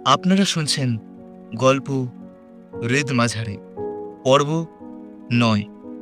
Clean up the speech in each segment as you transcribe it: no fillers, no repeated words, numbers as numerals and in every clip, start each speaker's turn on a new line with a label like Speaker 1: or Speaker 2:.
Speaker 1: আপনারা শুনছেন গল্প হৃদ মাঝারে পর্ব ৯।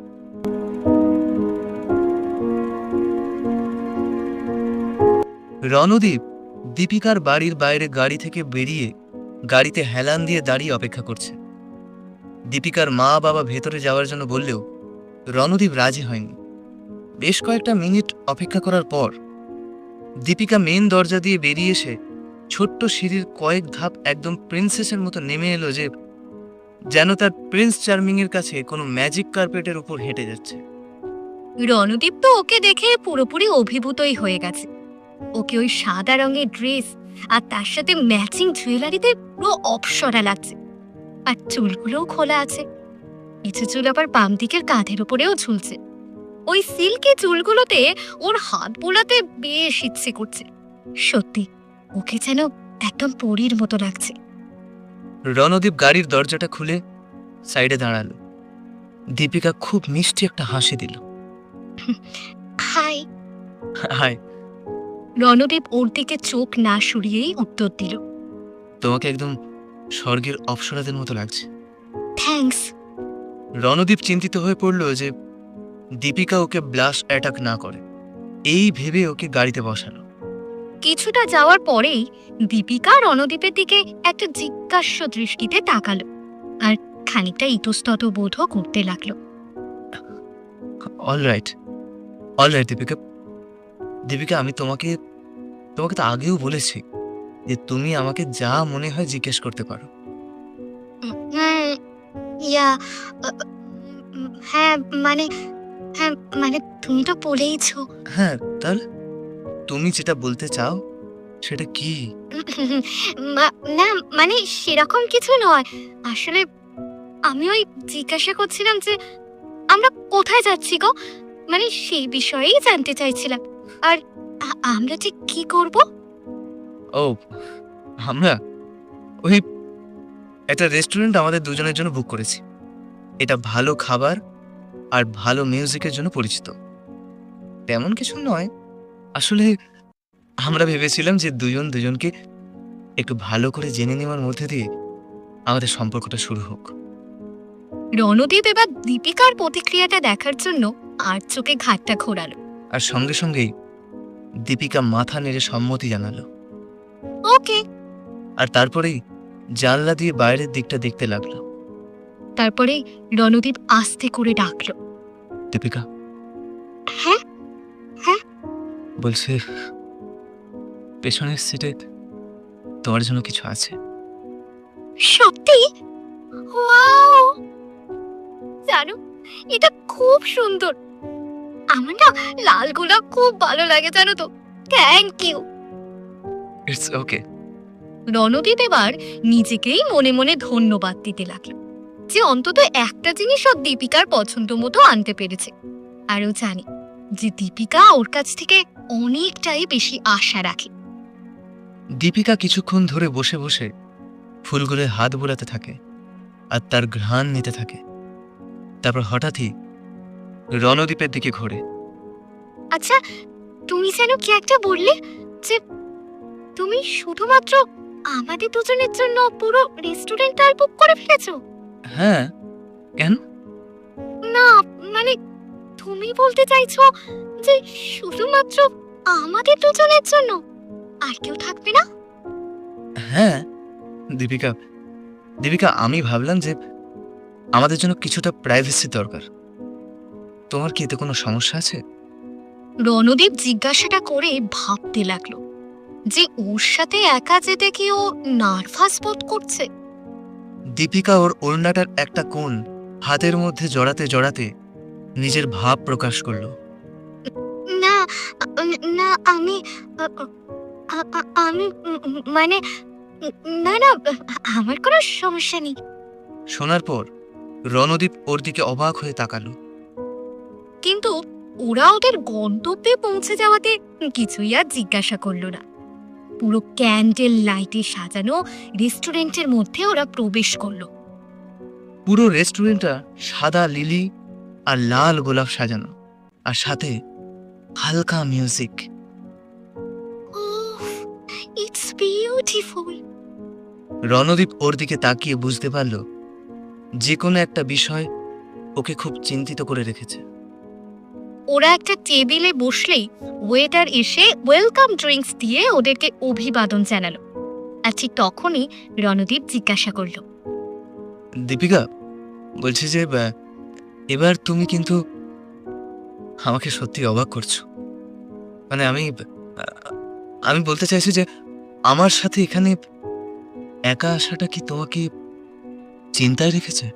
Speaker 1: রণদীপ দীপিকার বাড়ির বাইরে গাড়ি থেকে বেরিয়ে গাড়িতে হেলান দিয়ে দাঁড়িয়ে অপেক্ষা করছে। দীপিকার মা বাবা ভেতরে যাওয়ার জন্য বললেও রণদীপ রাজি হয়নি। বেশ কয়েকটা মিনিট অপেক্ষা করার পর দীপিকা মেন দরজা দিয়ে বেরিয়ে এসে ছোট্ট সিঁড়ির কয়েক ধাপ একদম প্রিন্সেসের মতো নেমে এলো, যে যেন তার প্রিন্স চার্মিং এর কাছে কোনো ম্যাজিক কার্পেটের উপর হেঁটে যাচ্ছে।
Speaker 2: রণদীপ তো ওকে দেখে পুরোপুরি অভিভূতই হয়ে গেছে। ওকে ওই সাদা রঙের ড্রেস আর তার সাথে ম্যাচিং জুয়েলারিতে পুরো অপসরা লাগছে। আর চুলগুলোও খোলা আছে, কিছু চুল আবার বাম দিকের কাঁধের উপরেও ঝুলছে। ওই সিল্কি চুলগুলোতে ওর হাত বোলাতে বেশ ইচ্ছে করছে। সত্যি ওকে যেন একদম পরীর মতো লাগছে।
Speaker 1: রণদীপ গাড়ির দরজাটা খুলে সাইডে দাঁড়ালো। দীপিকা খুব মিষ্টি একটা হাসি দিল।
Speaker 2: হাই।
Speaker 1: হাই।
Speaker 2: রণদীপ ওর দিকে চোখ না সরিয়েই উত্তর দিল,
Speaker 1: তোমাকে একদম স্বর্গের অপ্সরাদের মতো লাগছে।
Speaker 2: থ্যাঙ্কস।
Speaker 1: রণদীপ চিন্তিত হয়ে পড়ল যে দীপিকা ওকে ব্লাশ অ্যাটাক না করে, এই ভেবে ওকে গাড়িতে বসালো।
Speaker 2: কিছুটা যাওয়ার পরেই দীপিকা রণদীপের দিকে একটা জিজ্ঞাস্য দৃষ্টিতে তাকালো আর খানিকটা ইতস্তত বোধও করতে লাগলো।
Speaker 1: অলরাইট দীপিকা। দীপিকা, আমি তোমাকে তো আগেও বলেছি যে তুমি আমাকে যা মনে হয় জিজ্ঞেস করতে পারো।
Speaker 2: হ্যাঁ মানে হ্যাঁ মানে তুমি তো বলেইছো।
Speaker 1: হ্যাঁ, তাহলে তুমি যেটা বলতে চাও সেটা কি?
Speaker 2: না মানে সেরকম কিছু নয়। আসলে আমি ওই জিজ্ঞাসা করছিলাম যে আমরা কোথায় যাচ্ছি গো, মানে সেই বিষয়েই জানতে চাইছিলাম। আর আমরা ঠিক কি করব?
Speaker 1: ও, আমরা ওই একটা রেস্টুরেন্ট আমাদের দুজনের জন্য বুক করেছি। এটা ভালো খাবার আর ভালো মিউজিকের জন্য পরিচিত। তেমন কিছু নয়, আসলে আমরা ভেবেছিলাম যে দুজনকে একটু ভালো করে জেনে নেওয়ার মধ্যে দিয়ে আমাদের সম্পর্কটা শুরু হোক।
Speaker 2: রণদীপ এবার দীপিকার প্রতিক্রিয়াটা দেখার জন্য আর চোখে ঘাটটা ঘোরালো।
Speaker 1: আর সঙ্গে সঙ্গেই দীপিকা মাথা নেড়ে সম্মতি জানালো।
Speaker 2: ওকে।
Speaker 1: আর তারপরেই জানলা দিয়ে বাইরের দিকটা দেখতে লাগলো।
Speaker 2: তারপরে রণদীপ আস্তে করে ডাকলো,
Speaker 1: দীপিকা।
Speaker 2: হ্যাঁ হ্যাঁ
Speaker 1: বলছে পেছনের সিটে তোমার জন্য কিছু আছে।
Speaker 2: সত্যি? ওয়াও, জানো এটা খুব সুন্দর। আমার না লাল গোলাপ খুব ভালো লাগে, জানো তো। Thank you.
Speaker 1: It's okay.
Speaker 2: Randeep এবার নিজেকেই মনে মনে ধন্যবাদ দিতে লাগলো যে অন্তত একটা জিনিসও দীপিকার পছন্দ মতো আনতে পেরেছে। আরও জানি যে দীপিকা ওর কাছ থেকে অনেকটাই বেশি আশা রাখে।
Speaker 1: দীপিকা কিছুক্ষণ ধরে বসে বসে ফুলগুলো হাত বোলাতে থাকে আর তার ঘ্রাণ নিতে থাকে। তারপর হঠাৎই রণদীপের দিকে ঘোরে।
Speaker 2: আচ্ছা, তুমি যেন কি একটা বললে যে তুমি শুধুমাত্র আমাদের দুজনের জন্য পুরো রেস্টুরেন্টটা বুক করে ফেলেছো?
Speaker 1: হ্যাঁ, কেন?
Speaker 2: না মানে তুমি বলতে চাইছো যে শুধুমাত্র আমাদের দুজনের জন্য, আর কেউ থাকবে না?
Speaker 1: হ্যাঁ দীপিকা, আমি ভাবলাম যে আমাদের জন্য কিছুটা প্রাইভেসি দরকার। তোমার কি এতে কোনো সমস্যা আছে?
Speaker 2: রণদীপ জিজ্ঞাসাটা করে ভাবতে লাগলো যে ওর সাথে একা যেতে কি ও নার্ভাস বোধ করছে।
Speaker 1: দীপিকা ওর ওড়নাটার একটা কোণ হাতের মধ্যে জড়াতে জড়াতে নিজের ভাব প্রকাশ করলো।
Speaker 2: না না আমি আমি মানে না না, আমার কোনো সমস্যা নেই।
Speaker 1: শোনার পর রণদীপ ওর দিকে অবাক হয়ে তাকালো।
Speaker 2: কিন্তু ওরা ওদের গন্তব্যে পৌঁছে যাওয়াতে কিছুই আর জিজ্ঞাসা করলো না। পুরো ক্যান্ডেল লাইটে সাজানো রেস্টুরেন্টের মধ্যে ওরা প্রবেশ করলো।
Speaker 1: পুরো রেস্টুরেন্টটা সাদা লিলি আর লাল গোলাপ সাজানো, আর সাথে হালকা মিউজিক।
Speaker 2: It's beautiful.
Speaker 1: রণদীপ ওর দিকে তাকিয়ে বুঝতে পারল যে কোনো একটা বিষয় ওকে খুব চিন্তিত করে রেখেছে।
Speaker 2: ওরা একটা টেবিলে বসলেই ওয়েটার এসে ওয়েলকাম ড্রিঙ্কস দিয়ে ওদেরকে অভিবাদন জানালো। আর ঠিক তখনই রণদীপ জিজ্ঞাসা করলো,
Speaker 1: দীপিকা, বলছি যে এবার তুমি কিন্তু আমাকে সত্যি অবাক করছো। মানে আমি বলতে চাইছি যে আমার সাথে এখানে একা আসাটা কি তোমাকে চিন্তায় রেখেছে?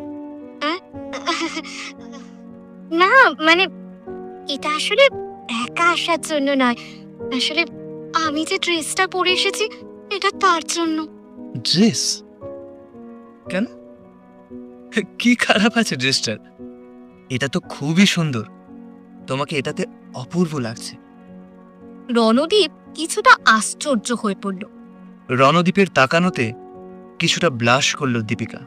Speaker 2: না মানে এটা আসলে একা আসার জন্য নয়, আসলে আমি যে ড্রেসটা পরে এসেছি এটা তার জন্য।
Speaker 1: ড্রেস? কেন? কি খারাপ আছে ড্রেসটার? এটা তো খুবই সুন্দর, তোমাকে এটাতে অপূর্ব লাগছে।
Speaker 2: রণদীপ কিছুটা আশ্চর্য হয়ে পড়ল।
Speaker 1: রণদীপের তাকানোতে কিছুটা ব্লাশ করলো দীপিকা।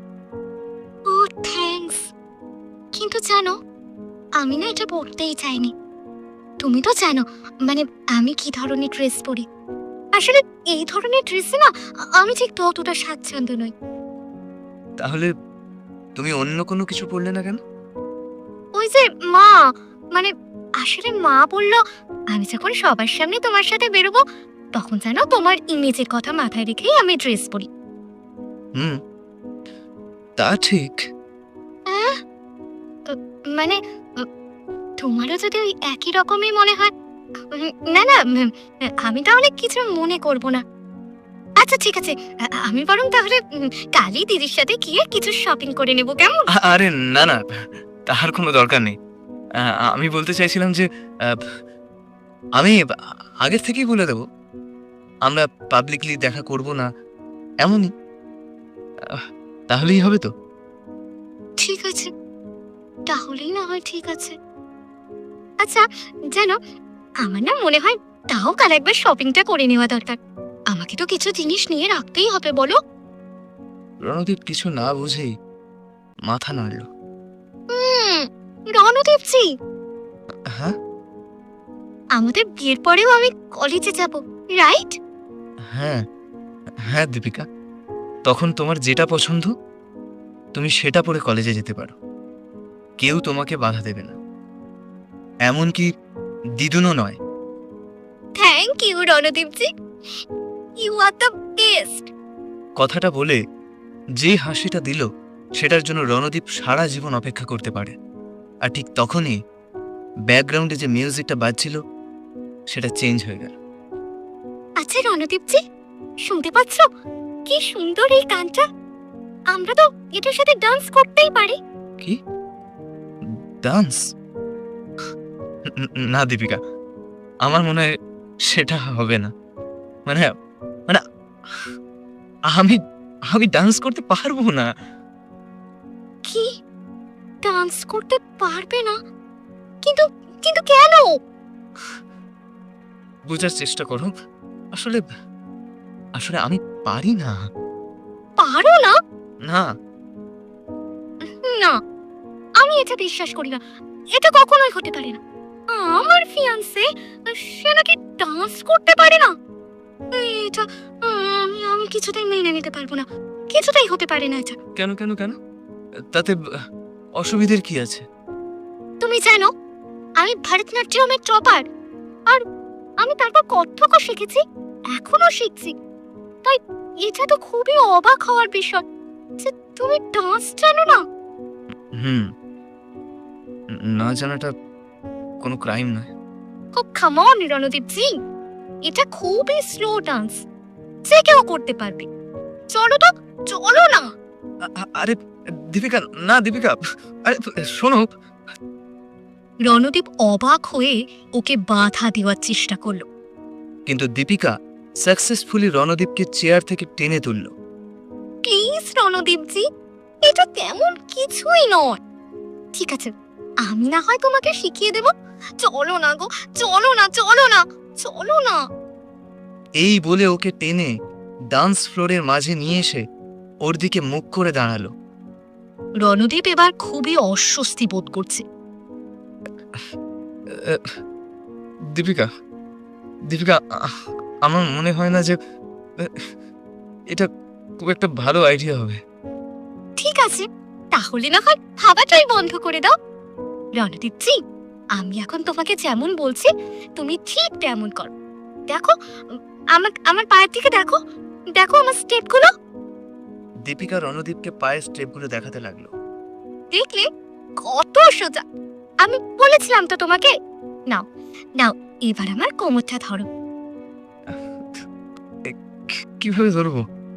Speaker 2: ও থ্যাঙ্কস, কিন্তু জানো আমি না এটা পরতেই চাইনি। তুমি তো জানো মানে আমি কি ধরনের ড্রেস পরি। আসলে এই ধরনের ড্রেসে না আমি ঠিক ততটা স্বাচ্ছন্দ্য নই।
Speaker 1: তাহলে তুমি অন্য কোনো কিছু পরলে না কেন?
Speaker 2: ওই যে মা, মানে আসলে মা বলল আমি যখন সবার সামনে তোমার সাথে বেরোবো তখন যেন তোমার ইমেজের কথা মাথায় রেখেই আমি ড্রেস পরি।
Speaker 1: হুম, তা ঠিক।
Speaker 2: আহ, মানে তোমারও যদি ওই একই রকমই মনে হয়, না না আমি তাহলে কিছু মনে করব না। আচ্ছা ঠিক আছে, আমি বরং তাহলে কালই দিদির সাথে গিয়ে কিছু শপিং করে নেব, কেমন?
Speaker 1: আরে না না, তার কোনো দরকার নেই। আমি বলতে চাইছিলাম যে আহ, আমি আগের থেকেই বলে দেব আমরা পাবলিকলি দেখা করব না, এমনই। আহ, তাহলেই হবে তো?
Speaker 2: ঠিক আছে, তাহলেই না হয় ঠিক আছে। আচ্ছা জানো আমার না মনে হয় তাও কাল একবার শপিংটা করে নেওয়া দরকার। আমাকে তো কিছু জিনিস নিয়ে রাখতেই হবে, বলো?
Speaker 1: রণদীপ কিছু না বুঝেই মাথা নাড়ল।
Speaker 2: হুম, রণদীপজি,
Speaker 1: হ্যাঁ
Speaker 2: আমাদের বিয়ের পরেও আমি কলেজে যাব, রাইট?
Speaker 1: হ্যাঁ হ্যাঁ দীপিকা, তখন তোমার যেটা পছন্দ তুমি সেটা পরে কলেজে যেতে পারো, কেউ তোমাকে বাধা দেবে না, এমনকি দিদুনও নয়।
Speaker 2: থ্যাংক ইউ রণদীপজি, ইউ আর দ্য বেস্ট।
Speaker 1: কথাটা বলে যে হাসিটা দিল সেটার জন্য রণদীপ সারা জীবন অপেক্ষা করতে পারে। আর ঠিক তখনই ব্যাকগ্রাউন্ডে যে মিউজিকটা বাজছিল সেটা চেঞ্জ হয়ে গেল।
Speaker 2: আচ্ছা রণদীপজি, শুনতে পাচ্ছ কি সুন্দর এই গানটা? আমরা তো এটার সাথে ডান্স করতেই পারি।
Speaker 1: কি ডান্স? না দীপিকা, আমার মনে হয় সেটা হবে না। মানে মানে আমি আমি ডান্স করতে পারবো না।
Speaker 2: কি, ডান্স করতে পারবে না? কিন্তু কিন্তু কেন?
Speaker 1: বোঝার চেষ্টা করো, আসলে আসলে আমি পারি না।
Speaker 2: পারো না?
Speaker 1: না
Speaker 2: না, আমি এটা বিশ্বাস করি না। এটা কখনোই হতে পারে না। আমার ফিয়ান্সে সে নাকি ডান্স করতে পারে না? এটা আমি কিছুতেই মেনে নিতে পারবো না। কিছুতেই হতে পারে না এটা।
Speaker 1: কেন কেন কেন? তাতে অসুবিধের কি আছে?
Speaker 2: তুমি জানো আমি ভরতনাট্যমের টপার, আর আমি তারপর কত্থকও শিখেছি, এখনো শিখছি। তাই এটা তো খুবই অবাক হওয়ার বিষয় যে তুমি ডান্স জানো না।
Speaker 1: হুম, না জানাটা কোনো ক্রাইম নয়।
Speaker 2: ও কাম অন রণদীপ জি, এটা খুবই স্লো ডান্স, যে কেউ করতে পারবে। চলো তো, চলো না।
Speaker 1: আরে দীপিকা, না দীপিকা, আরে শোনো।
Speaker 2: রণদীপ অবাক হয়ে ওকে বাধা দেওয়ার চেষ্টা করলো।
Speaker 1: কিন্তু দীপিকা সাকসেসফুলি রণদীপকে চেয়ার থেকে টেনে তুলল।
Speaker 2: প্লিজ রণদীপ জি, এটা তেমন কিছুই নয়। ঠিক আছে, আমি না হয় তোমাকে শিখিয়ে দেব। চলো না গো, চলো না, চলো না, চলো না।
Speaker 1: এই বলে ওকে টেনে ডান্স ফ্লোরের মাঝে নিয়ে এসে ওর দিকে মুখ করে দাঁড়ালো।
Speaker 2: রণদীপ এবার খুবই অস্বস্তি বোধ করছে।
Speaker 1: দীপিকা দীপিকা, আমার মনে হয় না যে এটা খুব একটা ভালো আইডিয়া হবে।
Speaker 2: ঠিক আছে, তাহলে না হয় ভাবাটাই বন্ধ করে দাও। রণদীপ জি, আমি এখন তোমাকে যেমন বলছি তুমি ঠিক তেমন করো। দেখো, আমার আমার পায়ের দিকে দেখো, দেখো আমার স্টেপগুলো।
Speaker 1: দীপিকা রণদীপকে পায়ের স্টেপগুলো দেখাতে লাগলো।
Speaker 2: দেখলে কত সোজা। আমি বলেছিলাম তো তোমাকে। নাও নাও, এবার আমার কোমরটা ধরো।
Speaker 1: কিভাবে ধরবো?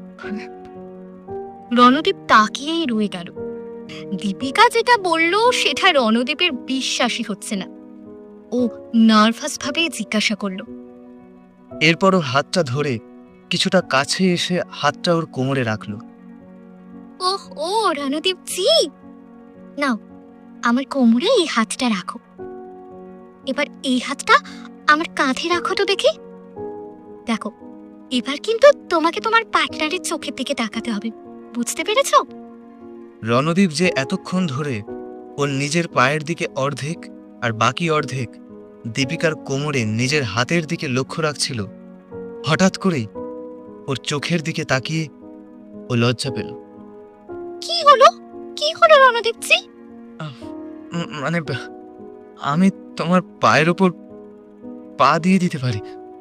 Speaker 2: রণদীপ তাকিয়েই রয়ে গেল। দীপিকা যেটা বলল সেটা রণদীপের বিশ্বাসই হচ্ছে না। ও নার্ভাস ভাবে জিজ্ঞাসা করলো,
Speaker 1: এরপর ওর হাতটা ধরে কিছুটা কাছে এসে হাতটা ওর কোমরে রাখলো।
Speaker 2: ওহ ও রণদীপ জি, নাও আমার কোমরে এই হাতটা রাখো। এবার এই হাতটা আমার কাঁধে রাখো তো দেখি। দেখো, এবার কিন্তু তোমাকে তোমার পার্টনারের চোখের দিকে তাকাতে হবে, বুঝতে পেরেছো?
Speaker 1: রণদীপ যে এতক্ষণ ধরে ওর নিজের পায়ের দিকে অর্ধেক আর বাকি অর্ধেক দীপিকার কোমরে নিজের হাতের দিকে লক্ষ্য রাখছিল, হঠাৎ করেই ওর চোখের দিকে তাকিয়ে ও লজ্জা পেল।
Speaker 2: কি হলো, কি হলো রণদীপ জি?
Speaker 1: মানে আমি তোমার পায়ের ওপর পা দিয়ে দিতে পারি।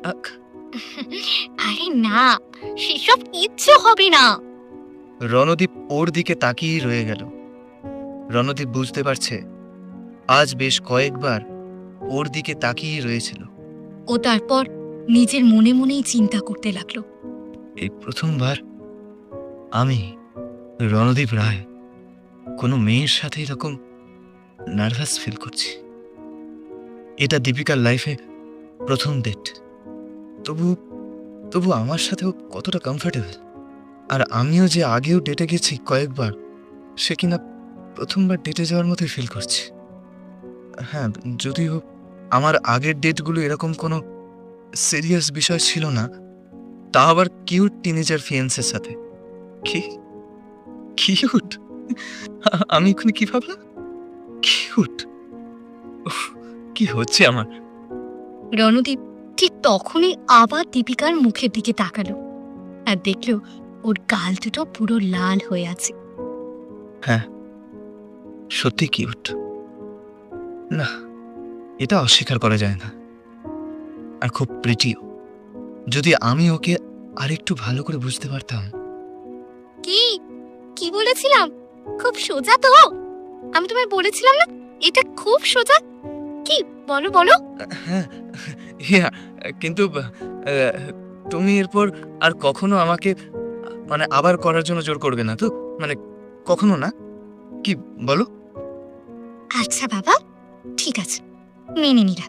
Speaker 2: আরে না, সেসব কিচ্ছু হবে না।
Speaker 1: রণদীপ ওর দিকে তাকিয়েই রয়ে গেল। রণদীপ বুঝতে পারছে আজ বেশ কয়েকবার ওর দিকে তাকিয়েই রয়েছিল।
Speaker 2: ও তারপর নিজের মনে মনেই চিন্তা করতে লাগলো,
Speaker 1: এই প্রথমবার আমি রণদীপ রায় কোনো মেয়ের সাথে এরকম নার্ভাস ফিল করছি। এটা দীপিকার লাইফে প্রথম ডেট, তবু তবু আমার সাথেও কতটা কমফোর্টেবল। আর আমিও যে আগেও ডেটে গেছি কয়েকবার, সে কিনা প্রথমবার ডেটে যাওয়ার মতোই ফিল করছি। হ্যাঁ, যদিও আমার আগের ডেটগুলো এরকম কোনো সিরিয়াস বিষয় ছিল না, তা আবার কিউট টিনেজার ফিয়েন্সের সাথে। কি কিউট! আমি এখানে কি ভাবলাম? কিউট! কি হচ্ছে আমার?
Speaker 2: রণদীপ ঠিক তখনই আবার দীপিকার মুখের দিকে তাকালো আর দেখলো ওর গাল দুটো পুরো লাল হয়ে আছে।
Speaker 1: হ্যাঁ, সত্যি কিউট। না, এটা অস্বীকার করা যায় না। আর খুব প্রিটিও। যদি আমি ওকে আরেকটু ভালো করে বুঝতে পারতাম।
Speaker 2: কি কি বলেছিলাম? খুব সোজা তো? আমি তোমায় বলেছিলাম না এটা খুব সোজা? কি বলো বলো।
Speaker 1: হ্যাঁ, ইয়া, কিন্তু তুমি এরপর আর কখনো আমাকে মানে আবার করার জন্য জোর করবে না তো? মানে কখনো না? কি বলো?
Speaker 2: আচ্ছা বাবা, ঠিক আছে, মেনে নিলাম।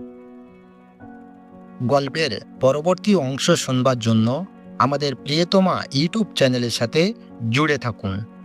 Speaker 3: গল্পের পরবর্তী অংশ শুনবার জন্য আমাদের প্রিয়তমা ইউটিউব চ্যানেলের সাথে জুড়ে থাকুন।